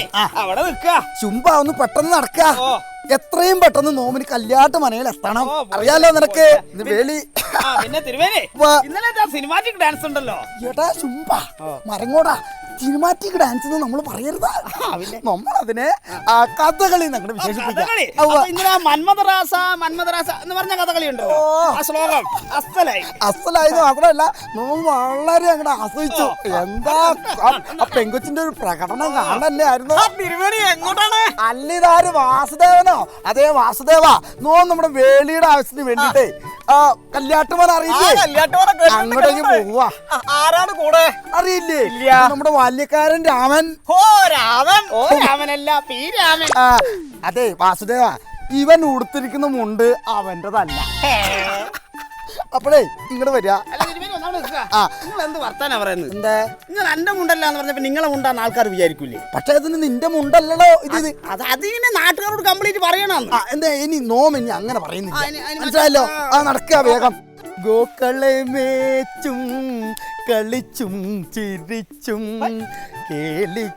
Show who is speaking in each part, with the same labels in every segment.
Speaker 1: അവിടെ നിൽക്കുക.
Speaker 2: ചുമ്പ ഒന്ന് പെട്ടെന്ന് നടക്ക. എത്രയും പെട്ടെന്ന് നോമിന് കല്യാട്ട് മനയിൽ എത്തണം. അറിയാലോ നിനക്ക് വേലി.
Speaker 1: പിന്നെ തിരുവേലി ഇന്നലെ സിനിമാറ്റിക് ഡാൻസ് ഉണ്ടല്ലോ.
Speaker 2: ഏട്ടാ ചുമ്പ മരങ്ങോടാ. സിനിമാറ്റിക് ഡാൻസ് നമ്മൾ പറയരുത്. നമ്മളതിനെ കഥകളി ഞങ്ങൾ വിശേഷിപ്പിക്കാം.
Speaker 1: മന്മഥരാസ എന്ന് പറഞ്ഞ കഥകളി ഉണ്ടോ? ശ്ലോകം
Speaker 2: അസലായത് മാത്രമല്ല നമ്മൾ വളരെ അങ്ങോട്ട് ആസ്വദിച്ചു. എന്താ ആ പെങ്കൊച്ചിന്റെ ഒരു പ്രകടനം കാണല്ലേ ആയിരുന്നു.
Speaker 1: എങ്ങോട്ടാണ്?
Speaker 2: അല്ലിതാര് വാസുദേവനോ? അതേ വാസുദേവ നമ്മുടെ വേലിയുടെ ആവശ്യത്തിന് വേണ്ടിട്ടേ കല്യാട്ടുമാൻ അറിയില്ലേ? അങ്ങോട്ടേക്ക് പോവാ.
Speaker 1: ആരാണ് കൂടെ?
Speaker 2: അറിയില്ലേ? നമ്മുടെ ബാല്യക്കാരൻ രാമൻ.
Speaker 1: രാമനല്ല, പി രാമൻ.
Speaker 2: അതെ വാസുദേവ, ഇവൻ ഉടുത്തിരിക്കുന്ന മുണ്ട് അവന്റെതല്ല. അപ്പോഴേ ഇങ്ങോട്ട് വരിക.
Speaker 1: എന്ത് വർത്താനാ പറയുന്നത്?
Speaker 2: എന്താ
Speaker 1: നിങ്ങൾ എന്റെ മുണ്ടല്ലാന്ന് പറഞ്ഞപ്പോ നിങ്ങളെ മുണ്ടാന്ന് ആൾക്കാർ വിചാരിക്കൂലേ?
Speaker 2: പക്ഷെ അതിന് നിന്റെ മുണ്ടല്ലോ ഇത്.
Speaker 1: അതിനെ നാട്ടുകാരോട് കംപ്ലീറ്റ് പറയണം.
Speaker 2: എന്താ ഇനി നോമിനി അങ്ങനെ പറയുന്നില്ല, മനസ്സിലായല്ലോ? നടക്കുക വേഗം. ഗോക്കളെ മേച്ചും കളിച്ചും ചിരിച്ചും കേളികളാടി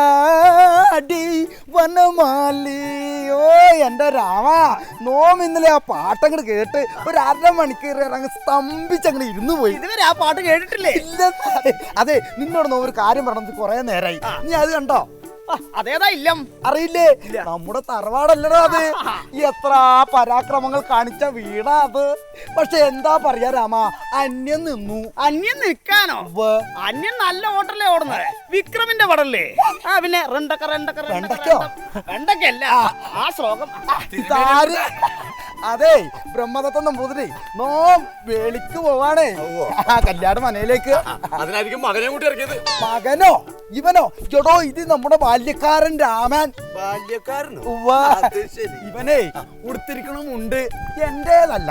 Speaker 2: വനമാലിയോ. എന്റെ രാമ, നോം ഇന്നലെ ആ പാട്ടങ്ങട് കേട്ട് ഒരു 1/2 മണിക്കൂർ അങ്ങ് സ്തംഭിച്ചങ്ങനെ ഇരുന്നു പോയി.
Speaker 1: ഇതുവരെ ആ പാട്ട് കേട്ടിട്ടില്ലേ?
Speaker 2: ഇല്ല. അതെ, നിന്നോട് ഒരു കാര്യം പറഞ്ഞത് കുറെ നേരമായി. നീ അത് കണ്ടോ?
Speaker 1: അതേതാ ഇല്ലം?
Speaker 2: അറിയില്ലേ? നമ്മുടെ തറവാടല്ലടോ അത്. എത്ര പരാക്രമങ്ങൾ കാണിച്ച വീടാ അത്. പക്ഷെ എന്താ പറയാ രാമ, അന്യം നിന്നു.
Speaker 1: അന്യം നിൽക്കാനോ? അന്യം നല്ല ഹോട്ടലേ ഓടുന്നത്. വിക്രമിന്റെ പടല്ലേ? പിന്നെ വെണ്ടക്കല്ല ആ ശ്ലോകം.
Speaker 2: അതെ, ബ്രഹ്മദത്തം നമ്പൂതിരി നോം വേളിക്ക് പോവാണേ കല്യാണ മനയിലേക്ക്.
Speaker 3: അതിനായിരിക്കും മകനെ കൂട്ടി ഇറക്കിയത്.
Speaker 2: മകനോ? ഇവനോ? ചേട്ടോ, ഇത് നമ്മുടെ ബാല്യക്കാരൻ രാമൻ.
Speaker 3: ബാല്യക്കാരനോ?
Speaker 2: ഇവനെ ഉടുത്തിരിക്കണമുണ്ട് എന്റേതല്ല.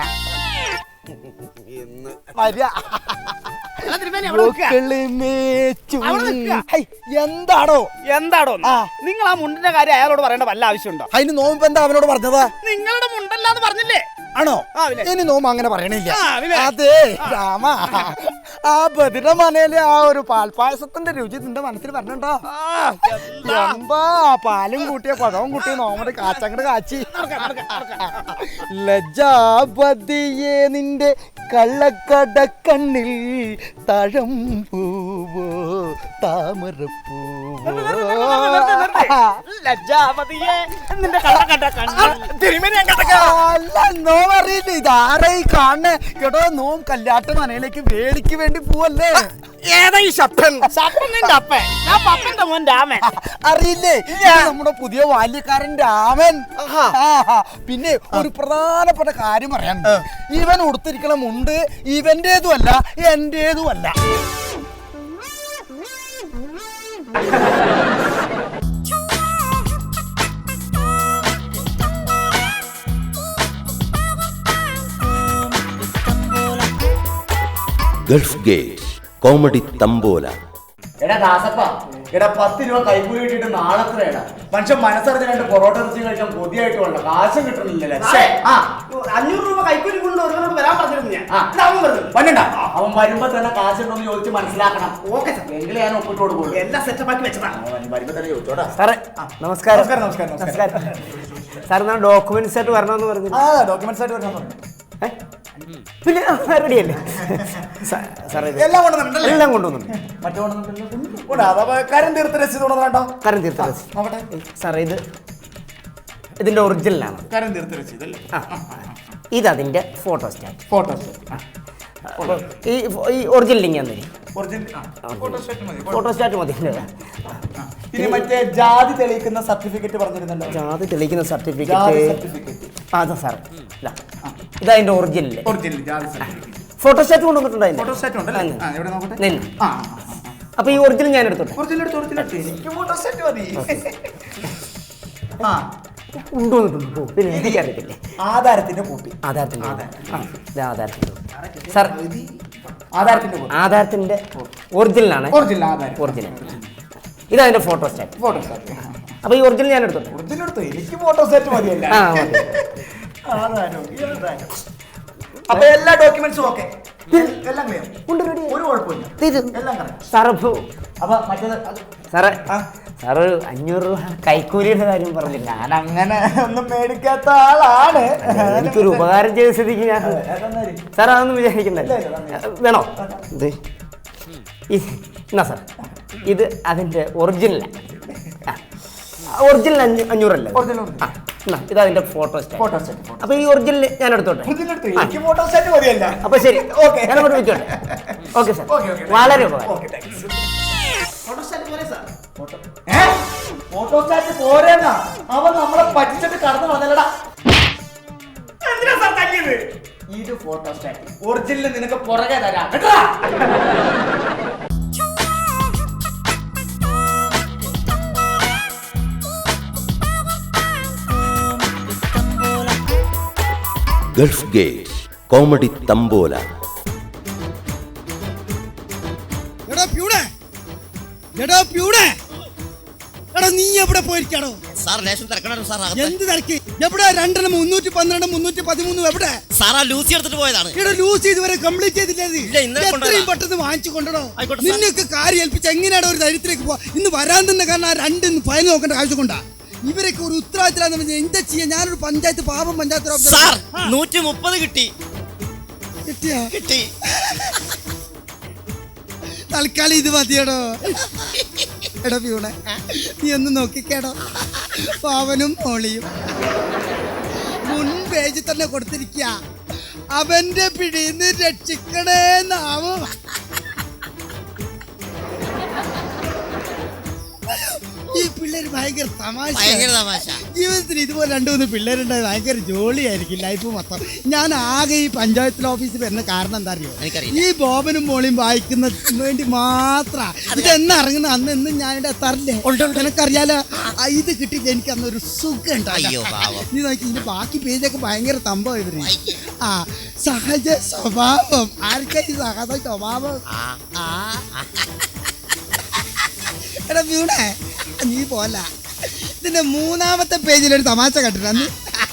Speaker 1: എന്താടോ നിങ്ങൾ ആ മുണ്ടിന്റെ കാര്യം അയാളോട് പറയേണ്ട വല്ല ആവശ്യമുണ്ടോ?
Speaker 2: അതിന് നോമ്പ് എന്താ അവനോട് പറഞ്ഞത്?
Speaker 1: നിങ്ങളുടെ മുണ്ടല്ലാന്ന് പറഞ്ഞില്ലേ?
Speaker 2: ആണോ? ഇനി നോമ്പ് അങ്ങനെ പറയണില്ല. അതെ രാമ, ആ ബദിര മനയിലെ ആ ഒരു പാൽപ്പായസത്തിന്റെ രുചി നിന്റെ മനസ്സിൽ പറഞ്ഞോ? എന്താ പാലും കൂട്ടിയ പഴവും കൂട്ടിയ നോമയുടെ കാച്ചങ്ങട് കാച്ചി. ലജ്ജാപതിയെ നിന്റെ കള്ളക്കട കണ്ണിൽ തഴം പൂവോ താമരപ്പൂവോ.
Speaker 1: ലജ്ജാപതിയെ നിന്റെ കള്ളക്കട
Speaker 2: അല്ല, നോം അറിയില്ല ഇതാരായി കാണണേ? കേട്ടോ, നോം കല്യാട്ട് മനയിലേക്ക് വേലിക്ക് വേണ്ടി പോവല്ലേ?
Speaker 1: ഏതാ ഈ ശപ്പൻ? നിന്റെ അപ്പൻ? ഞാൻ പപ്പന്റെ മോൻ രാമൻ.
Speaker 2: അറിയില്ലേ? നമ്മുടെ പുതിയ ബാല്യക്കാരൻ രാമൻ. പിന്നെ ഒരു പ്രധാനപ്പെട്ട കാര്യം പറയാൻ, ഇവൻ ഉടുത്തിരിക്കണ മുണ്ട് ഇവന്റേതുമല്ല എന്റേതുമല്ല.
Speaker 4: Gulf gate comedy tambola.
Speaker 5: എടാ ദാസപ്പ, എടാ 10 രൂപ കൈക്കൂലി കിട്ടിയിട്ട് നാളെത്രയാണ്? മനുഷ്യൻ മനസ്സറിഞ്ഞ് 2 പൊറോട്ട ഇറച്ചി കഴിക്കാൻ കൊതിയായിട്ട് വേണ്ട, കാശും കിട്ടുന്നില്ലല്ലേ?
Speaker 1: 500 രൂപ കൈക്കൂലി കൊണ്ട് ഒരുവനോട് വരാൻ പറഞ്ഞിരുന്നു ഞാൻ.
Speaker 5: പണ്ടണ്ട, അവൻ വരുമ്പോ തന്നെ കാശുണ്ടോന്ന് ചോദിച്ച് മനസ്സിലാക്കണം. ഓക്കെ സാർ, എങ്കിലും ഞാൻ ഒപ്പിട്ട് കൊടുക്കുള്ളൂ.
Speaker 1: എല്ലാം സെറ്റപ്പാക്കി വെച്ചതാണ്.
Speaker 5: വരുമ്പോ തന്നെ ചോദിച്ചോടാ.
Speaker 6: സാറേ നമസ്കാരം. സാർ ഞാൻ ഡോക്യുമെന്റ്സ് ആയിട്ട് വരണമെന്ന് പറഞ്ഞു.
Speaker 5: ഡോക്യുമെന്റ്സ് ആയിട്ട് വരണം പറഞ്ഞു.
Speaker 6: പിന്നെ റെഡിയല്ലേ സാറേ?
Speaker 5: എല്ലാം കൊണ്ടുവന്നിട്ടുണ്ടല്ലേ?
Speaker 6: എല്ലാം കൊണ്ടുവന്നു.
Speaker 5: മറ്റു കരം തീർത്ത രസീത് കൊണ്ടുവന്നോ?
Speaker 6: കരം തീർത്ത രസീത് നോക്കട്ടെ സാറേ. ഇതിന്റെ ഒറിജിനലാണ്.
Speaker 5: കരം തീർത്ത രസീത് അല്ലേ?
Speaker 6: ഇതതിന്റെ ഫോട്ടോ സ്റ്റാറ്റ്. ഈ ഒറിജിനൽ ലിങ്ക് തന്നെ. ഫോട്ടോ സ്റ്റാറ്റ് മതി.
Speaker 5: ഇനി മറ്റേ ജാതി തെളിയിക്കുന്ന സർട്ടിഫിക്കറ്റ് പറഞ്ഞിരുന്നല്ലോ.
Speaker 6: ജാതി തെളിയിക്കുന്ന സർട്ടിഫിക്കറ്റ് അതാ സാർ. ഇതതിന്റെ ഒറിജിനൽ ഫോട്ടോ സ്റ്റാറ്റ് കൊണ്ടുവന്നിട്ടുണ്ടായിരുന്നു. അപ്പൊ ഈ ഒറിജിനൽ ഞാൻ എടുത്തോട്ടെ. കൊണ്ടുവന്നിട്ടുണ്ടോ? പിന്നെ എനിക്കറിയത്തില്ലേ.
Speaker 5: ആധാരത്തിന്റെ കോപ്പി.
Speaker 6: സാർ ആധാരത്തിന്റെ ഒറിജിനലാണ്. ഒറിജിനൽ ഇതതിന്റെ ഫോട്ടോ സ്റ്റാറ്റ്. അപ്പൊ ഈ ഒറിജിനൽ ഞാൻ എടുത്തോട്ടെ.
Speaker 5: എനിക്ക് ഫോട്ടോ സ്റ്റാറ്റ് മതിയല്ല. അപ്പൊ എല്ലാ ഡോക്യുമെന്റ്സും ഓക്കെ, എല്ലാം ക്ലിയർ, ഒരു കുഴപ്പമില്ല, എല്ലാം correct.
Speaker 6: സാറ്
Speaker 5: അപ്പൊ മറ്റേത്
Speaker 6: സാറേ സാറ് 500 രൂപ കൈക്കൂലിയുടെ കാര്യം പറഞ്ഞില്ല.
Speaker 5: ഞാൻ അങ്ങനെ ഒന്നും മേടിക്കാത്ത ആളാണ്.
Speaker 6: എനിക്കൊരു ഉപകാരം ചെയ്ത സ്ഥിതിക്ക് ഞാൻ സാർ അതൊന്നും വിചാരിക്കണ്ടല്ലോ. വേണോ ഇത് എന്നാ സാർ ഇത് അതിന്റെ ഒറിജിനലാണ്. ഒറിജിനൽ 500 അല്ലേ? ഇത് അതിന്റെ ഫോട്ടോ സ്റ്റാറ്റ്. അപ്പൊ ഈ ഒറിജിനൽ ഞാൻ എടുത്തോട്ടെ. അപ്പൊ ശരി, ഞാൻ അങ്ങോട്ട് വെച്ചോട്ടെ. ഓക്കെ സാർ, വളരെ ഉപകാരം.
Speaker 5: ഫോട്ടോസ്റ്റാറ്റ് പോരെന്നാ അവൻ നമ്മളെ പറ്റിച്ചിട്ട് കടന്നു വന്നല്ലടാ. ഇത് ഫോട്ടോസ്റ്റാറ്റ് ഒറിജിനൽ നിനക്ക് പുറകെ തരാം കേട്ടോ.
Speaker 4: Gulf gate comedy tambola.
Speaker 7: നീ എവിടെ പോയിരിക്കാണോ? എന്ത് തിരക്ക്? എവിടെ? 2 312 313 എവിടെ?
Speaker 8: ലൂസി എടുത്തിട്ട് പോയതാണ്.
Speaker 7: ഇവിടെ ലൂസി ഇതുവരെ കംപ്ലീറ്റ് ചെയ്തില്ലേ? എത്രയും പെട്ടെന്ന് വാങ്ങിച്ചു കൊണ്ടോ. നിന്നൊക്കെ കാര്യം ഏൽപ്പിച്ച് എങ്ങനെയാണ് ഒരു ധൈര്യത്തിലേക്ക് പോവാ? ഇന്ന് വരാൻ തന്നെ കാരണം ആ 2 ഫയൽ നോക്കേണ്ട ആവശ്യം കൊണ്ടാ. ഇവരൊക്കെ ഒരു ഉത്തരവാദിത്തം എന്താ ചെയ്യാ? ഞാനൊരു പഞ്ചായത്ത് പാപം പഞ്ചായത്ത്
Speaker 8: 130 കിട്ടി.
Speaker 7: കിട്ടി. തൽക്കാലം ഇത് മതിയടോ. എടാ പ്യൂണെ, നീ ഒന്ന് നോക്കിക്കേടോ. പാവനും മോളിയും മുൻ പേജിൽ തന്നെ കൊടുത്തിരിക്കുക. അവന്റെ പിടിന്ന് രക്ഷിക്കണേന്നാവും. ഈ പിള്ളേര് ഭയങ്കര തമാശ. ജീവിതത്തിൽ ഇതുപോലെ 2-3 പിള്ളേരുണ്ടായി ഭയങ്കര ജോളിയായിരിക്കും ലൈഫ് മൊത്തം. ഞാൻ ആകെ ഈ പഞ്ചായത്തിൽ ഓഫീസിൽ വരുന്ന കാരണം എന്താ അറിയോ? ഈ ബോബനും മോളിയും വായിക്കുന്ന വേണ്ടി മാത്ര. ഇതെന്ന് ഇറങ്ങുന്ന അന്ന് എന്നും ഞാനിവിടെ എത്താറില്ലേ? നിനക്കറിയാലോ, ഇത് കിട്ടിയിട്ട് എനിക്ക് അന്നൊരു സുഖം ഉണ്ടായി. നീ നോക്കി ഇതിന്റെ ബാക്കി പേജൊക്കെ ഭയങ്കര തമ്പം ഇവര്. സഹജ സ്വഭാവം. ആർക്കാ ഈ സഹജ സ്വഭാവം? എടാ വീണേ, നീ പോല ഇതിന്റെ 3ാമത്തെ പേജിലൊരു തമാശ കണ്ടിട്ട് അന്ന്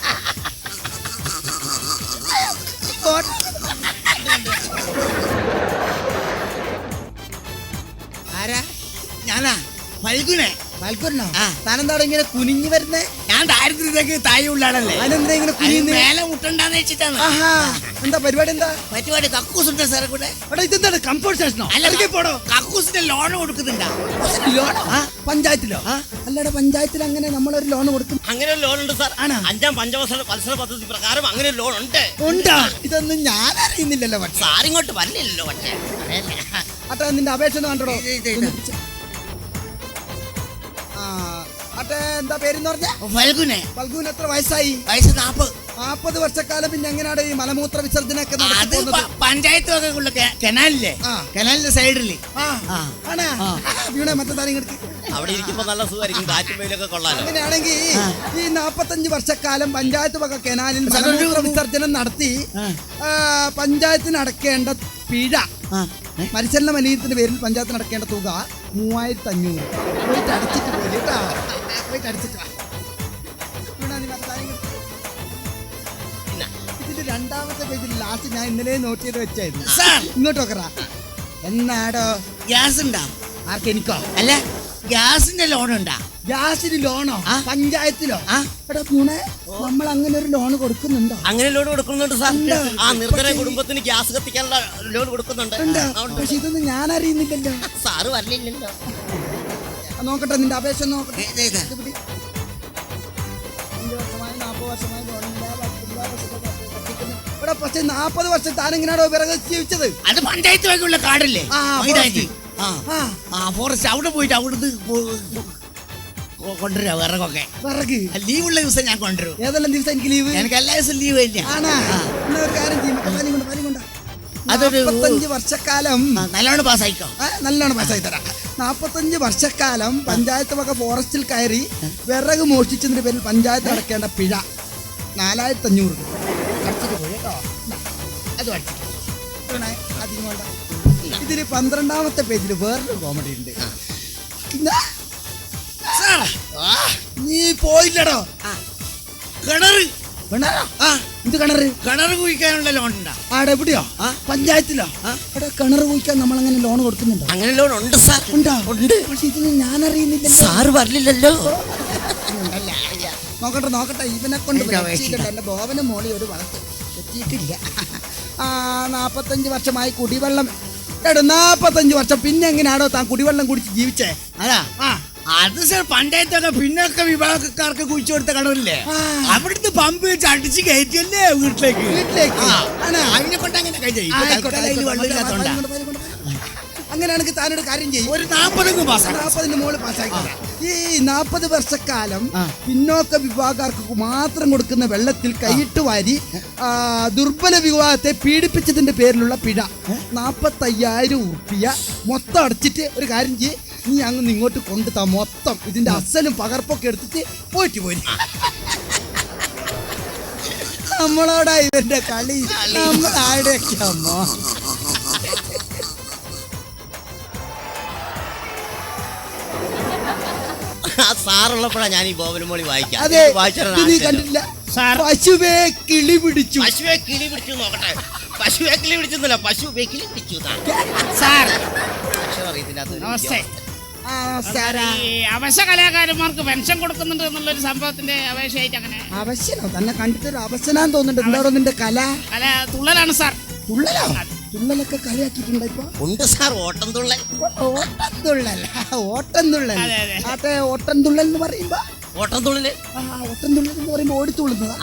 Speaker 7: ആരാ? ഞാനാ ഫൽഗുനെ. ഫൽഗുനോ? താനെന്താടോ ഇങ്ങനെ കുനിഞ്ഞു വരുന്നേ? ഞാൻ ദാരിദ്ര്യത്തേക്ക് താഴെ ഉള്ളാണല്ലേ. അതിനെന്താ ഇങ്ങനെ കുനിഞ്ഞ് മേലെ മുട്ടണ്ടാന്ന് വെച്ചിട്ടാണ്. എന്താ പരിപാടി? എന്താ പരിപാടി? കക്കൂസുണ്ട് സാറെ കൂടെ. അവിടെ ഇതെന്താണ് കംഫോർട്ട് സ്റ്റേഷനോ? അല്ലെങ്കിൽ പോടോ. കക്കൂസിന്റെ ലോൺ കൊടുക്കുന്നുണ്ടോ? ലോൺ പഞ്ചായത്തിലോ? അല്ലടാ, പഞ്ചായത്തിൽ അങ്ങനെ നമ്മളൊരു ലോൺ കൊടുക്കും.
Speaker 8: അങ്ങനെ ഒരു ലോൺ ഉണ്ട് സാർ. 5ാം പഞ്ചവത്സര പദ്ധതി പ്രകാരം അങ്ങനെ ഒരു ലോൺ ഉണ്ട്.
Speaker 7: ഉണ്ടാ? ഇതൊന്നും ഞാൻ അറിയുന്നില്ലല്ലോ.
Speaker 8: സാറിങ്ങോട്ട് വരില്ലല്ലോ.
Speaker 7: അട്ടെ, നിന്റെ അപേക്ഷ ഒന്ന് കണ്ടോ? എന്താ പേരെന്ന് പറഞ്ഞ? ഫൽഗുനെ. ഫൽഗുന് എത്ര വയസ്സായി? വയസ്സ് 40 വർഷക്കാലം. പിന്നെ എങ്ങനെയാണ് ഈ മലമൂത്ര വിസർജനൊക്കെ നടക്കുന്നത്? പഞ്ചായത്ത് കനാലില്ലേ? കനാലിന്റെ സൈഡില്. മറ്റേ
Speaker 8: അവിടെ ഇരിക്കുമ്പോ നല്ല സുഖമായിരിക്കും, കാറ്റും വെയിലൊക്കെ കൊള്ളാലോ.
Speaker 7: അങ്ങനെയാണെങ്കിൽ ഈ 45 വർഷക്കാലം പഞ്ചായത്ത് വക കനാലിൽ മലമൂത്ര വിസർജനം നടത്തി പഞ്ചായത്തിന് അടക്കേണ്ട പിഴ, പരിചരണ മലിനത്തിന്റെ പേരിൽ പഞ്ചായത്തിന് അടക്കേണ്ട തുക 3500. പോയിട്ട് അടച്ചിട്ട് പോയി കേട്ടാ. പോയിട്ട് അടിച്ചിട്ട് വാ. ഇതിന്റെ 2ാമത്തെ പേജിൽ ലാസ്റ്റ് ഞാൻ ഇന്നലെ നോട്ട് ചെയ്ത് വെച്ചായിരുന്നു. ഇങ്ങോട്ട് നോക്കറാ. എന്നാടോ ഗ്യാസ് ഉണ്ടാ? ആർക്കെനിക്കോ? അല്ല, ഗ്യാസിന്റെ ലോൺ ഉണ്ടാ? ഗ്യാസിന് ലോണോ? പഞ്ചായത്തിലോ? എടാ പൂണെ, നമ്മൾ അങ്ങനെ ഒരു ലോൺ കൊടുക്കുന്നുണ്ടോ?
Speaker 8: അങ്ങനെ ലോൺ കൊടുക്കുന്നുണ്ട് സാർ. നിർധന കുടുംബത്തിന് ഗ്യാസ് കത്തിക്കാനുള്ള ലോൺ കൊടുക്കുന്നുണ്ട്.
Speaker 7: പക്ഷെ ഇതൊന്നും ഞാൻ അറിയുന്നില്ലല്ലോ.
Speaker 8: സാറ് വരലില്ലല്ലോ.
Speaker 7: നോക്കട്ടെ, നിന്റെ അപേക്ഷ നോക്കട്ടെ. 5 വർഷമായി 40 വർഷമായി ഇവിടെ. പക്ഷെ 40 വർഷം താനെങ്ങനെയാണോ വിറക് ജീവിച്ചത്? അത് പഞ്ചായത്ത് വകയുള്ള കാടല്ലേ? ഫോറസ്റ്റ്. അവിടെ പോയിട്ട് അവിടുന്ന് കൊണ്ടുവരാ വിറകൊക്കെ. വിറക് ലീവുള്ള ദിവസം ഞാൻ കൊണ്ടുവരും. ഏതെല്ലാം ദിവസം എനിക്ക് ലീവ്? എനിക്ക് എല്ലാ ദിവസം ലീവ് ഇല്ല. ഒരു കാര്യം ചെയ്യും, അതൊരു 45 വർഷക്കാലം നല്ലോണം പാസ്സായിക്കോ. നല്ലോണം പാസ്സായി തരാം. 45 വർഷക്കാലം പഞ്ചായത്ത് വക ഫോറസ്റ്റിൽ കയറി വിറക് മോഷ്ടിച്ചതിന്റെ പേരിൽ പഞ്ചായത്ത് അടക്കേണ്ട പിഴ 4500 രൂപ. അടിച്ചിട്ട് പോയി കേട്ടോ. അത് അടിച്ചിട്ട് അധികം വേണ്ട. ഇതില് 12ാമത്തെ പേജിൽ വേറൊരു കോമഡി ഉണ്ട്. നീ പോയില്ലടോ കിണറ്. എന്ത് കിണറ്?
Speaker 8: കിണർ കുഴിക്കാനുള്ള ലോൺ ഉണ്ടാ?
Speaker 7: ആടെ എവിടെയോ? പഞ്ചായത്തിലോ? അവിടെ കിണർ കുഴിക്കാൻ നമ്മൾ അങ്ങനെ ലോൺ കൊടുക്കുന്നുണ്ടോ?
Speaker 8: അങ്ങനെ ലോൺ ഉണ്ട് സാർ.
Speaker 7: ഉണ്ടോ? ഉണ്ട്. പക്ഷെ ഇത് ഞാൻ അറിയുന്നില്ല.
Speaker 8: സാറ് പറഞ്ഞില്ലല്ലോ.
Speaker 7: നോക്കട്ടെ ഇവനെ കൊണ്ട് എന്റെ ബോവനും മോളി ഒരു വളർത്ത് എത്തിയിട്ടില്ല. 45 വർഷമായി കുടിവെള്ളം. 45 വർഷം പിന്നെ എങ്ങനെയാണോ താൻ കുടിവെള്ളം കുടിച്ച് ജീവിച്ചേ?
Speaker 8: അതാ അത് സാർ പഞ്ചായത്തൊക്കെ പിന്നൊക്കെ വിഭാഗക്കാർക്ക് കുഴിച്ചു കൊടുത്ത കിണറില്ലേ, അവിടുന്ന് പമ്പ് വെച്ച് അടിച്ച് കയറ്റിയല്ലേ വീട്ടിലേക്ക്. അതിനെ കൊണ്ട് അങ്ങനെ
Speaker 7: അങ്ങനെയാണെങ്കിൽ താനൊരു കാര്യം ചെയ്യും,
Speaker 8: ഒരു 40
Speaker 7: മോള് പാസ്സാക്കി. ഈ 40 വർഷക്കാലം പിന്നോക്ക വിഭാഗക്കാർക്ക് മാത്രം കൊടുക്കുന്ന വെള്ളത്തിൽ കൈയിട്ട് വാരി ദുർബല വിഭാഗത്തെ പീഡിപ്പിച്ചതിന്റെ പേരിലുള്ള പിഴ 45,000 ഉറുപ്പിക മൊത്തം അടച്ചിട്ട് ഒരു കാര്യം ചെയ്യ്, നീ അങ്ങ് ഇങ്ങോട്ട് കൊണ്ടുതാ. മൊത്തം ഇതിന്റെ അസലും പകർപ്പൊക്കെ എടുത്തിട്ട് പോയിട്ട് പോയി. നമ്മളോടാ ഇവന്റെ കളി, നമ്മളാടെയൊക്കെ അമ്മ.
Speaker 8: സാറുള്ളപ്പോഴാ ഞാൻ ഈ ബോബനും മോളി വായിക്കാം.
Speaker 7: അതെ, നീ കണ്ടില്ല? പശുവേ കിളി പിടിച്ചു.
Speaker 8: പശുവെ കിളി പിടിച്ചു നോക്കട്ടെ. പശുവെ കിളി പിടിച്ചൊന്നുമില്ല, പശുവെ കിളി പിടിച്ചു.
Speaker 1: സാർ
Speaker 8: അറിയത്തില്ല.
Speaker 1: നമസ്തേ. അവശ കലാകാരന്മാർക്ക് പെൻഷൻ കൊടുക്കുന്നുണ്ട് എന്നുള്ളൊരു സംഭവത്തിന്റെ അപേക്ഷയായിട്ട് അങ്ങനെ.
Speaker 7: അവശനോ? തന്നെ കണ്ടിട്ടൊരു അവശനാന്ന് തോന്നുന്നുണ്ട്. എന്താണോ നിന്റെ കല?
Speaker 1: തുള്ളലാണ് സാർ.
Speaker 7: തുള്ളലോ? തുള്ളലൊക്കെ കളിയാക്കിയിട്ടുണ്ടോ ഇപ്പൊ?
Speaker 8: ഉണ്ട് സാർ, ഓട്ടം തുള്ളൽ.
Speaker 7: ഓട്ടം തുള്ളൽ. ഓട്ടം തുള്ളൽ എന്ന് പറയുമ്പോ
Speaker 8: ഓട്ടം തുള്ളല്.
Speaker 7: ഓട്ടം തുള്ളൽ എന്ന് പറയുമ്പോ ഓടിത്തുള്ളുന്നതാ?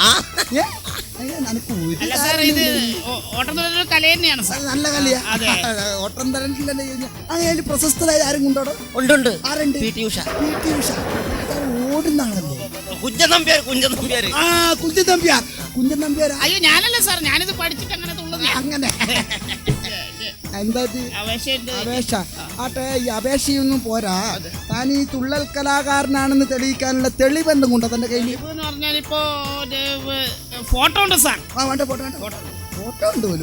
Speaker 1: അല്ല സാർ, ഇത് ഓട്ടം തുള്ളൽ കല തന്നെയാണ് സാർ.
Speaker 7: നല്ല കളിയാ. ഓട്ടം തുള്ളലല്ലേ. അങ്ങനെ പ്രശസ്തരായ ആരും കൊണ്ടോടോ?
Speaker 8: ഉണ്ട്.
Speaker 7: ആരുണ്ട്?
Speaker 8: P T Usha.
Speaker 7: ഓടുന്ന ആളല്ലേ?
Speaker 8: കുഞ്ചൻ നമ്പ്യാർ.
Speaker 7: കുഞ്ചൻ നമ്പ്യാർ.
Speaker 1: അയ്യോ ഞാനല്ല സാർ, ഞാനിത് പഠിച്ചിട്ട് അങ്ങനെ തുള്ളുന്നേ.
Speaker 7: അങ്ങനെ എന്താ അപേക്ഷ? ആട്ടെ, ഈ അപേക്ഷയൊന്നും പോരാ. താൻ ഈ തുള്ളൽ കലാകാരനാണെന്ന് തെളിയിക്കാനുള്ള തെളിവ് എന്തും കൊണ്ടോ തന്റെ കയ്യിൽ?
Speaker 1: എന്ന് പറഞ്ഞാൽ ഇപ്പോ ഫോട്ടോ ഉണ്ട് സാർ.
Speaker 7: വേണ്ട, ഫോട്ടോ ഉണ്ട് പോലും.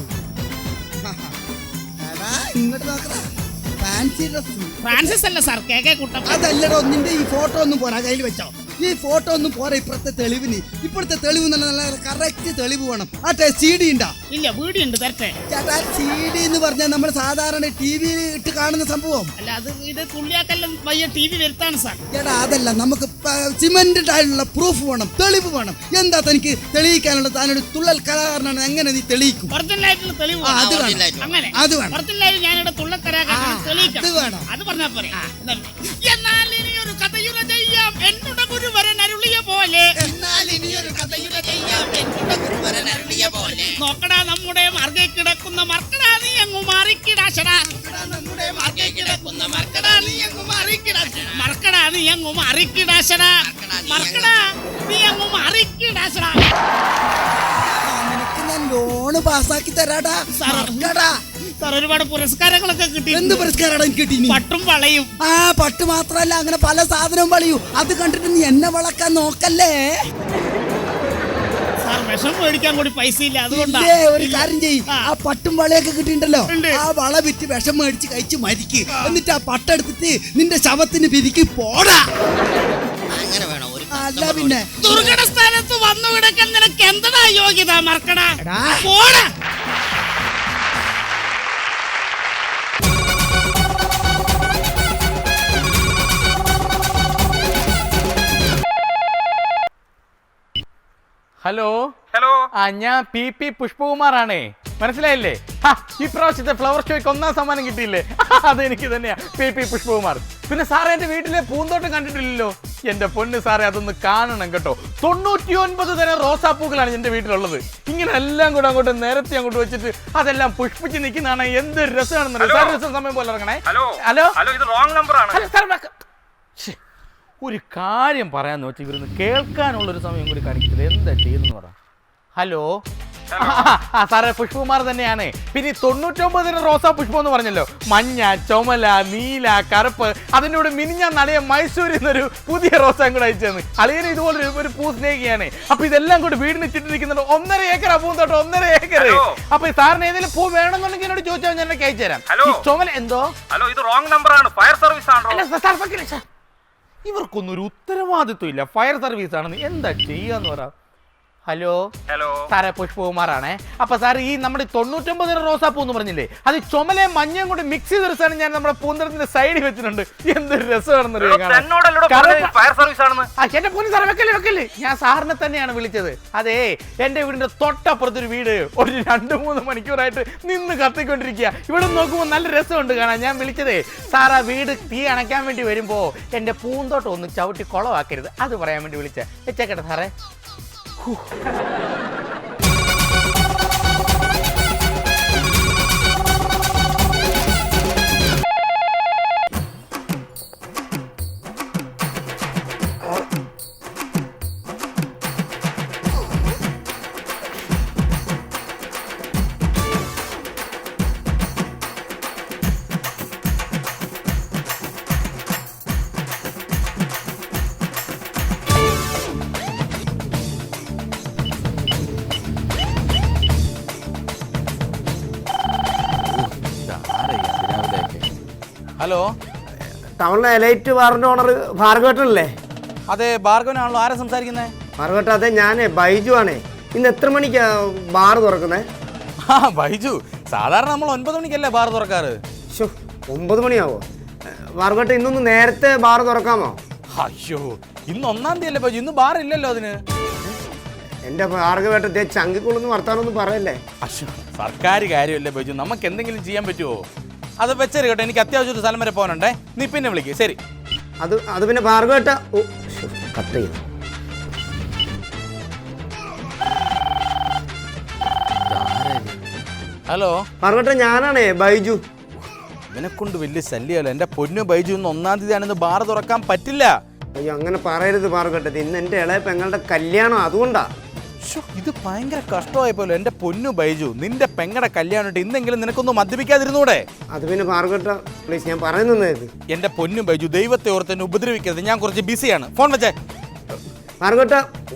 Speaker 7: ഇങ്ങോട്ട് നോക്കടാ. Fancy dress.
Speaker 1: ഫ്രാൻസിസ് അല്ല സാർ, കെ കുട്ടപ്പൻ.
Speaker 7: അതല്ലടോ, നിന്റെ ഈ ഫോട്ടോ ഒന്നും പോരാ, കയ്യിൽ വെച്ചോ. ഈ ഫോട്ടോ ഒന്നും പോരാ ഇപ്പോഴത്തെ തെളിവിന്. ഇപ്പോഴത്തെ തെളിവ് നല്ല കറക്റ്റ് തെളിവ് വേണം. ആട്ടെ, CD ഉണ്ടോ?
Speaker 1: ഇല്ല, വീഡിയോ ഉണ്ട് തരട്ടെ.
Speaker 7: ചേട്ടാ, CD എന്ന് പറഞ്ഞാൽ നമ്മൾ സാധാരണ TV ഇട്ട് കാണുന്ന സംഭവം
Speaker 1: അല്ല. ഇത് തുള്ളിയാക്കെല്ലാം വയ്യ TV വരുത്താണ് സാർ.
Speaker 7: ചേട്ടാ, അതല്ല, നമുക്ക് സിമെന്റഡ് ആയിട്ടുള്ള പ്രൂഫ് വേണം, തെളിവ് വേണം. എന്താ തനിക്ക് തെളിയിക്കാനുള്ള? താനൊരു തുള്ളൽ കലാകാരനാണ്, എങ്ങനെ നീ തെളിയിക്കും?
Speaker 1: ഒറിജിനലായിട്ടുള്ള തെളിവ്
Speaker 7: അത് വേണം.
Speaker 1: അങ്ങനെ
Speaker 7: അത് വേണം.
Speaker 1: ഒറിജിനലായിട്ട് ഞാനിവിടെ തുള്ളൽ കലാകാരനാണ് തെളിയിക്കാം.
Speaker 7: അത് വേണം.
Speaker 1: അത് പറഞ്ഞാ പോരെ. എന്നാൽ ഇനി ഒരു കഥയുര ചെയ്യാം എന്നോട് ഗുരുവരൻ അരുളിയ പോലെ. നോക്കടാ നമ്മുടെ മാർഗെ കിടക്കുന്ന മർക്കടാ നീ അങ്ങ് മാറിക്കിടാശടാ. മർക്കടാ നീ അങ്ങ് മാറിക്കിടാശടാ.
Speaker 7: നിനക്ക് ഞാൻ ലോണ് പാസ്സാക്കി തരാടാ.
Speaker 1: സാർ, ഒരുപാട് പുരസ്കാരങ്ങളൊക്കെ കിട്ടി.
Speaker 7: എന്ത് പുരസ്കാരാണ് എനിക്ക് കിട്ടി?
Speaker 1: പട്ടും വളയും.
Speaker 7: പട്ട് മാത്രല്ല, അങ്ങനെ പല സാധനവും വളയൂ. അത് കണ്ടിട്ട് നീ എന്നെ വളക്കാൻ നോക്കല്ലേ.
Speaker 1: സാർ, വിഷം മേടിക്കാൻ കൂടി പൈസ ഇല്ല, അതുകൊണ്ടാ.
Speaker 7: ഒരു കാര്യം ചെയ്യ്, ആ പട്ടും വളയൊക്കെ കിട്ടിയിട്ടുണ്ടല്ലോ, ആ വള വിറ്റ് വിഷം മേടിച്ച് കഴിച്ച് മരിക്ക്. എന്നിട്ട് ആ പട്ടെടുത്തിട്ട് നിന്റെ ശവത്തിന് പിരിക്ക് പോടാ.
Speaker 8: അങ്ങനെ വേണം.
Speaker 7: അല്ല പിന്നെ
Speaker 1: ദുർഘട സ്ഥാനത്ത് വന്നു കിടക്കാൻ നിനക്ക് എന്താ യോഗ്യത? മറക്കടാ, പോടാ.
Speaker 9: ഹലോ. ഞാൻ PP പുഷ്പകുമാറാണേ. മനസ്സിലായില്ലേ? ഈ പ്രാവശ്യത്തെ ഫ്ലവർ ഷോയ്ക്ക് 1ാം സമ്മാനം കിട്ടിയില്ലേ? അതെനിക്ക് തന്നെയാ, PP പുഷ്പകുമാർ. പിന്നെ സാറേ, എന്റെ വീട്ടിലെ പൂന്തോട്ടം കണ്ടിട്ടില്ലല്ലോ. എന്റെ പൊന്ന് സാറേ, അതൊന്ന് കാണണം കേട്ടോ. 99 തരം റോസാപ്പൂക്കളാണ് എന്റെ വീട്ടിലുള്ളത്. ഇങ്ങനെ എല്ലാം കൂടെ അങ്ങോട്ട് നിരത്തി അങ്ങോട്ട് വെച്ചിട്ട് അതെല്ലാം പുഷ്പിച്ച് നിൽക്കുന്നതാണ്. എന്ത് രസമാണെന്ന് സാർ. സമയം പോലെ ഇറങ്ങണേ. ഹലോ, ഇത് റോങ് നമ്പർ ആണ്. ഒരു കാര്യം പറയാന്ന് വെച്ചാൽ ഇവരൊന്ന് കേൾക്കാനുള്ളൊരു സമയം കൂടി കാണിക്കുന്നത് എന്താ ചെയ്യുന്നു പറ. ഹലോ, സാറേ, പുഷ്പകുമാർ തന്നെയാണ്. പിന്നെ 99 തരം റോസാ പുഷ്പം എന്ന് പറഞ്ഞല്ലോ. മഞ്ഞ, ചുമല, നീല, കറുപ്പ്. അതിനോട് മിനിഞ്ഞാൻ നടയ മൈസൂരിൽ നിന്നൊരു പുതിയ റോസാ കൂടെ അയച്ചെന്ന്. അളിയന് ഇതുപോലെ ഒരു പൂ സ്നേഹിയാണ്. അപ്പൊ ഇതെല്ലാം കൂടി വീടിന് ചുറ്റിരിക്കുന്നുണ്ട്. 1.5 ഏക്കർ പൂന്തോട്ടം, 1.5 ഏക്കർ. അപ്പൊ സാറിന് ഏതെങ്കിലും പൂ വേണമെന്നുണ്ടെങ്കിൽ എന്നോട് ചോദിച്ചാൽ ഞാൻ അയച്ചു തരാം. ചുമല എന്തോ? ഹലോ, ഇത് റോങ് നമ്പർ ആണ്. ഫയർ സർവീസ് ആണോ? ഇവർക്കൊന്നും ഒരു ഉത്തരവാദിത്വം ഇല്ല. ഫയർ സർവീസ് ആണെന്ന് എന്താ ചെയ്യാന്ന് പറ. ഹലോ
Speaker 10: ഹലോ
Speaker 9: സാറേ പുഷ്പകുമാറാണേ. അപ്പൊ സാർ ഈ നമ്മുടെ 99 റോസാപ്പൂ എന്ന് പറഞ്ഞില്ലേ, അത് ചുമലയും മഞ്ഞയും കൂടി മിക്സ് ചെയ്തെടുത്താണ് ഞാൻ നമ്മുടെ പൂന്തരത്തിന്റെ സൈഡിൽ വെച്ചിട്ടുണ്ട്. എന്തൊരു രസമാണെന്ന്
Speaker 10: ഫയർ സർവീസ് ആണെന്ന്.
Speaker 9: എന്റെ പൊന്നു സാറേ വെക്കല്ലേ, ഞാൻ സാറിനെ തന്നെയാണ് വിളിച്ചത്. അതെ, എന്റെ വീടിന്റെ തൊട്ടപ്പുറത്തൊരു വീട് ഒരു 2-3 മണിക്കൂറായിട്ട് നിന്ന് കത്തിക്കൊണ്ടിരിക്കുക. ഇവിടെ നോക്കുമ്പോൾ നല്ല രസമുണ്ട് കാണാൻ. ഞാൻ വിളിച്ചതേ സാർ ആ വീട് തീ അണയ്ക്കാൻ വേണ്ടി വരുമ്പോ എന്റെ പൂന്തോട്ടം ഒന്ന് ചവിട്ടി കുളമാക്കരുത്, അത് പറയാൻ വേണ്ടി വിളിച്ചേ. വെച്ചേക്കട്ടെ സാറേ. ഹലോ,
Speaker 6: ടൗണിലെ എലൈറ്റ് ബാറിന്റെ ഓണർ ഭാർഗവട്ടനല്ലേ?
Speaker 9: അതെ, ഭാർഗവനാണല്ലോ. ആരാ സംസാരിക്കുന്നത്?
Speaker 6: ഭാർഗവട്ട, അതെ ഞാനേ ബൈജു ആണേ. ഇന്ന് എത്ര മണിക്കാ ബാർ തുറക്കുന്നത്?
Speaker 9: ബൈജു, സാധാരണ നമ്മൾ 9 മണിക്കല്ലേ ബാർ തുറക്കാറ്.
Speaker 6: 9 മണിയാവോ? ഭാർഗവട്ട, ഇന്നൊന്ന് നേരത്തെ ബാർ തുറക്കാമോ?
Speaker 9: അയ്യോ, ഇന്ന് 1-ാം തീയതി അല്ലേ ബൈജു, ഇന്ന് ബാർ ഇല്ലല്ലോ അതിന്.
Speaker 6: എന്റെ ഭാർഗവട്ടത്തെ ചങ്കിക്കുള്ളൊന്നും വർത്താനൊന്നും പറയല്ലേ.
Speaker 9: അയ്യോ, സർക്കാർ കാര്യമല്ലേ ബൈജു, നമുക്ക് എന്തെങ്കിലും ചെയ്യാൻ പറ്റുമോ? അത് വെച്ചേര് കേട്ടോ, എനിക്ക് അത്യാവശ്യം ഒരു സ്ഥലം വരെ പോകാനുണ്ടേ. നീ പിന്നെ വിളിക്കേ. ശരി.
Speaker 6: അത് പിന്നെ ഭാർഗവട്ട കട്ട് ചെയ്തു.
Speaker 9: ഹലോ
Speaker 6: ഭാർഗവട്ട, ഞാനാണേ ബൈജു.
Speaker 9: ഇവനെ കൊണ്ട് വലിയ ശല്യമല്ലോ. എന്റെ പൊന്നു ബൈജു, ഇന്ന് 1-ാം തീയതി ആണെന്ന് ബാർ തുറക്കാൻ പറ്റില്ല.
Speaker 6: അയ്യോ, അങ്ങനെ പറയരുത് ഭാർഗവട്ട, ഇന്ന് എന്റെ ഇളയ പെങ്ങളുടെ കല്യാണം, അതുകൊണ്ടാ.
Speaker 9: ഇത് ഭയങ്കര കഷ്ടമായപ്പോലോ. എന്റെ പൊന്നു ബൈജു, നിന്റെ പെങ്ങടെ കല്യാണം ഇന്നെങ്കിലും നിനക്കൊന്നും മദ്യപിക്കാതിരുന്നൂടെ?
Speaker 6: അത് പിന്നെ ഭാർഗവട്ട പ്ലീസ്, ഞാൻ പറയുന്നത്.
Speaker 9: എന്റെ പൊന്നു ബൈജു, ദൈവത്തെ ഓർത്ത് എന്നെ ഉപദ്രവിക്കരുത്. ഞാൻ കുറച്ച് ബിസിയാണ്. ഫോൺ വെച്ചേ.
Speaker 6: ഭാർഗവട്ട,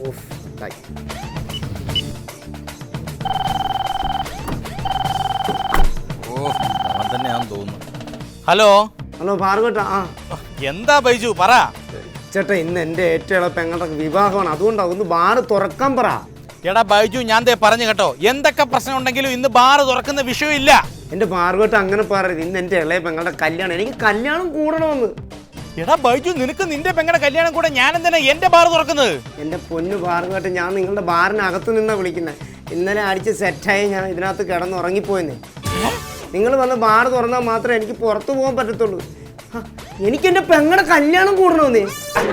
Speaker 9: അവൻ തന്നെയാണെന്ന് തോന്നുന്നു. ഹലോ
Speaker 6: ഹലോ ഭാർഗവട്ട.
Speaker 9: എന്താ ബൈജു, പറ.
Speaker 6: ചേട്ടാ, ഇന്ന് എന്റെ ഏറ്റവും ഇളയ പെങ്ങളുടെ വിവാഹമാണ്, അതുകൊണ്ടാ ഒന്ന് ബാർ തുറക്കാൻ പറ.
Speaker 9: എടാ ബൈജു, ഞാൻ പറഞ്ഞു കേട്ടോ, എന്തൊക്കെ പ്രശ്നം ഉണ്ടെങ്കിലും ഇന്ന് ബാർ തുറക്കുന്ന വിഷയമില്ല.
Speaker 6: എന്റെ ഭാർഗവട്ട അങ്ങനെ പറയരുത്, ഇന്ന് എന്റെ ഇളയ പെങ്ങളുടെ കല്യാണം, എനിക്ക് കല്യാണം കൂടണമെന്ന്.
Speaker 9: എടാ ബൈജു, നിനക്ക് നിന്റെ പെങ്ങളുടെ കല്യാണം കൂടെ ഞാൻ എന്തിനാ എന്റെ ബാർ തുറക്കുന്നത്?
Speaker 6: എന്റെ പൊന്നു ഭാർഗവട്ട, ഞാൻ നിങ്ങളുടെ ബാറിനകത്ത് നിന്നാ വിളിക്കുന്നത്. ഇന്നലെ അടിച്ച് സെറ്റായി ഞാൻ ഇതിനകത്ത് കിടന്ന് ഉറങ്ങിപ്പോയെന്നേ. നിങ്ങൾ വന്ന് ബാർ തുറന്നാൽ മാത്രമേ എനിക്ക് പുറത്തു പോകാൻ പറ്റത്തുള്ളൂ. എനിക്ക് എന്റെ പെങ്ങളുടെ കല്യാണം കൂടണമെന്നേ.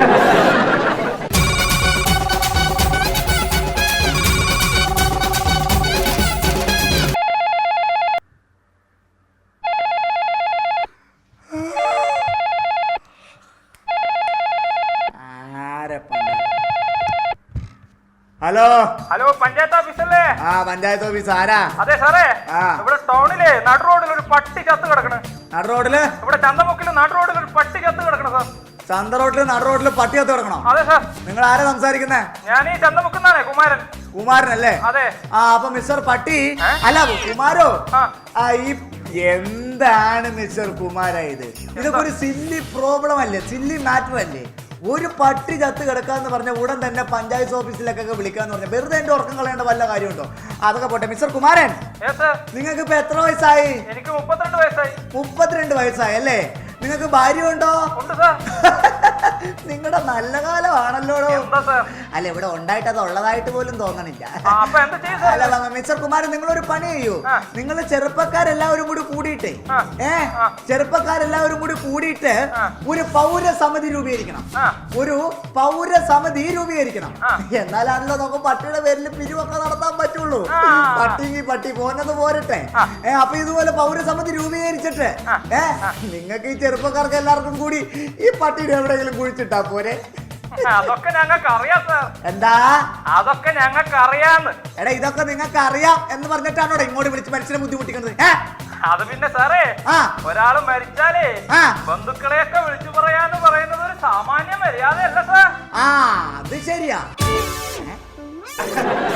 Speaker 5: ഹലോ
Speaker 10: ഹലോ, പഞ്ചായത്ത് ഓഫീസല്ലേ?
Speaker 5: പഞ്ചായത്ത് ഓഫീസ്. ആരാ?
Speaker 10: അതെ സാറേ, ഇവിടെ ടൗണിലെ നടു റോഡിൽ ഒരു പട്ടി ചത്ത് കിടക്കണ്.
Speaker 5: നടു റോഡില്?
Speaker 10: ഇവിടെ ചന്തമുക്കില് നടു റോഡിൽ ഒരു പട്ടി ചത്ത് കിടക്കണ സാർ.
Speaker 5: ചന്ത റോഡില് നടു റോഡില് പട്ടി ചത്ത് കിടക്കണോ?
Speaker 10: അതെ സാർ.
Speaker 5: നിങ്ങൾ ആരാ സംസാരിക്കുന്നേ?
Speaker 10: ഞാൻ ഈ ചന്തമുക്കുന്നാണേ, കുമാരൻ.
Speaker 5: കുമാരനല്ലേ?
Speaker 10: അതെ.
Speaker 5: അപ്പൊ മിസ്റ്റർ പട്ടി അല്ല കുമാരോ, എന്താണ് മിസ്റ്റർ കുമാര ഇതൊക്കെ ഒരു സില്ലി പ്രോബ്ലം അല്ലേ, സില്ലി മാറ്റർ അല്ലേ? ഒരു പട്ടി ചത്ത് കിടക്കാന്ന് പറഞ്ഞ ഉടൻ തന്നെ പഞ്ചായത്ത് ഓഫീസിലേക്കൊക്കെ വിളിക്കാന്ന് പറഞ്ഞ വെറുതെ എന്റെ ഉറക്കം കളയേണ്ട വല്ല കാര്യമുണ്ടോ? അതൊക്കെ പോട്ടെ. മിസ്റ്റർ കുമാരൻ, നിങ്ങൾക്ക് ഇപ്പൊ എത്ര വയസ്സായി?
Speaker 10: എനിക്ക് 32 വയസ്സായി.
Speaker 5: 32 വയസ്സായി അല്ലേ? നിങ്ങൾക്ക് ഭാര്യ ഉണ്ടോ? നിങ്ങളുടെ നല്ല കാലമാണല്ലോ. അല്ല, ഇവിടെ ഉണ്ടായിട്ട് അത് ഉള്ളതായിട്ട് പോലും തോന്നണില്ല. അല്ല മിസ്റ്റർ കുമാരൻ, നിങ്ങളൊരു പണി ചെയ്യൂ. നിങ്ങൾ ചെറുപ്പക്കാരെല്ലാവരും കൂടി കൂടിയിട്ടേ ഒരു പൗരസമിതി രൂപീകരിക്കണം. എന്നാലാണല്ലോ നമുക്ക് പട്ടിയുടെ പേരിൽ പിരിവൊക്കെ നടത്താൻ പറ്റുള്ളൂ. പട്ടിക്ക് പട്ടി പോന്നത് പോരട്ടെ. അപ്പൊ ഇതുപോലെ പൗരസമിതി രൂപീകരിച്ചിട്ട് നിങ്ങൾക്ക് ഈ ചെറുപ്പക്കാർക്ക് എല്ലാവർക്കും കൂടി ഈ പട്ടിയുടെ എവിടെയെങ്കിലും കുഴിച്ചിട്ടാ പോരെ?
Speaker 10: അതൊക്കെ ഞങ്ങൾക്ക് അറിയാം സാർ.
Speaker 5: എന്താ?
Speaker 10: അതൊക്കെ ഞങ്ങൾക്ക് അറിയാന്ന്.
Speaker 5: എടാ, ഇതൊക്കെ നിങ്ങൾക്ക് അറിയാം എന്ന് പറഞ്ഞിട്ടാണോ ഇങ്ങോട്ട് വിളിച്ച് മനുഷ്യനെ ബുദ്ധിമുട്ടിക്കുന്നത്?
Speaker 10: അത് പിന്നെ സാറേ, ഒരാള് മരിച്ചാലേ ബന്ധുക്കളെയൊക്കെ വിളിച്ചു പറയാന്ന് പറയുന്നത് ഒരു സാമാന്യ മര്യാദയല്ല സാർ.
Speaker 5: അത് ശരിയാ.